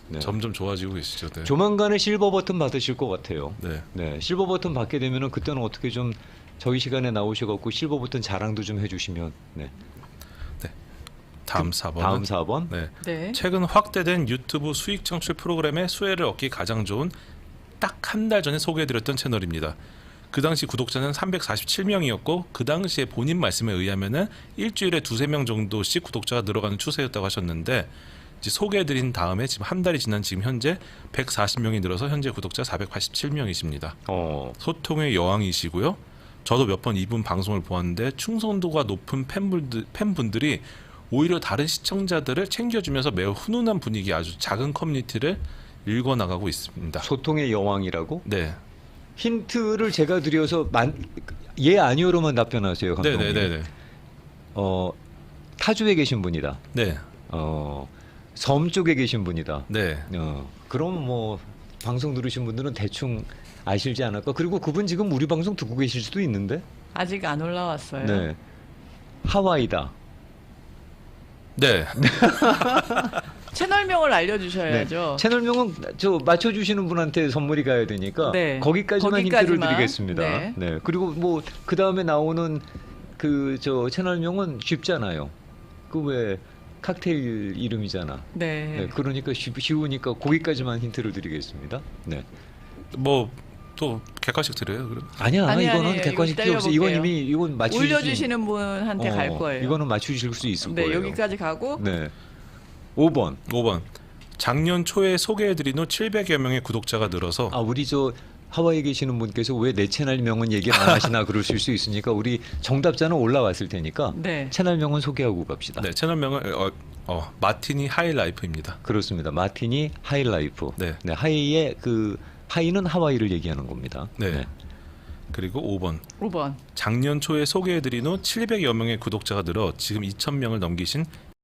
네. 점점 좋아지고 계시죠. 네. 조만간에 실버 버튼 받으실 것 같아요. 네. 네, 실버 버튼 받게 되면은 그때는 어떻게 좀 저희 시간에 나오셔갖고 실버 버튼 자랑도 좀 해주시면. 네. 다음 4번. 다음 4번. 네. 네. 최근 확대된 유튜브 수익 창출 프로그램의 수혜를 얻기 가장 좋은 딱 한 달 전에 소개해드렸던 채널입니다. 그 당시 구독자는 347명이었고 그 당시에 본인 말씀에 의하면은 일주일에 2-3명 정도씩 구독자가 늘어가는 추세였다고 하셨는데 이제 소개해드린 다음에 지금 한 달이 지난 지금 현재 140명이 늘어서 현재 구독자 487명이십니다. 소통의 여왕이시고요. 저도 몇 번 이분 방송을 보았는데 충성도가 높은 팬분들이 오히려 다른 시청자들을 챙겨주면서 매우 훈훈한 분위기 아주 작은 커뮤니티를 읽어나가고 있습니다. 소통의 여왕이라고? 네. 힌트를 제가 드려서 예 아니오로만 답변하세요, 감독님. 네네네. 타주에 계신 분이다. 네. 섬 쪽에 계신 분이다. 네. 그럼 뭐 방송 들으신 분들은 대충 아실지 않을까. 그리고 그분 지금 우리 방송 듣고 계실 수도 있는데. 아직 안 올라왔어요. 네. 하와이다. 네. 채널명을 알려주셔야죠. 네. 채널명은 저 맞춰주시는 분한테 선물이 가야 되니까 네. 거기까지만 힌트를 드리겠습니다. 네. 네. 그리고 뭐 그 다음에 나오는 그 저 채널명은 쉽잖아요. 그 왜 칵테일 이름이잖아. 네. 네. 그러니까 쉬우니까 거기까지만 힌트를 드리겠습니다. 네. 뭐 또 객관식 드려요. 그럼. 아니야, 아니, 이거는 아니에요. 객관식 이거 필요 없어. 이건 때려볼게요. 이미 이건 맞추실 올려주시는 분한테 갈 거예요. 이거는 맞추실 수 있을 네, 거예요. 여기까지 가고 네. 5번. 5번. 작년 초에 소개해드린 후 700여 명의 구독자가 늘어서 우리 저 하와이에 계시는 분께서 왜 내 채널명은 얘기 안 하시나 그러실 수 있으니까 우리 정답자는 올라왔을 테니까 네. 채널명은 소개하고 갑시다. 네, 채널명은 마티니 하이라이프입니다. 그렇습니다. 마티니 하이라이프. 네. 네, 하이의 그 하이는 하와이를 얘기하는 겁니다. 네. 그리고 5번. 5번. 작년 초에 소개해드린 후 700여 명의 구독자가 늘어 지금 2,000명을 넘기신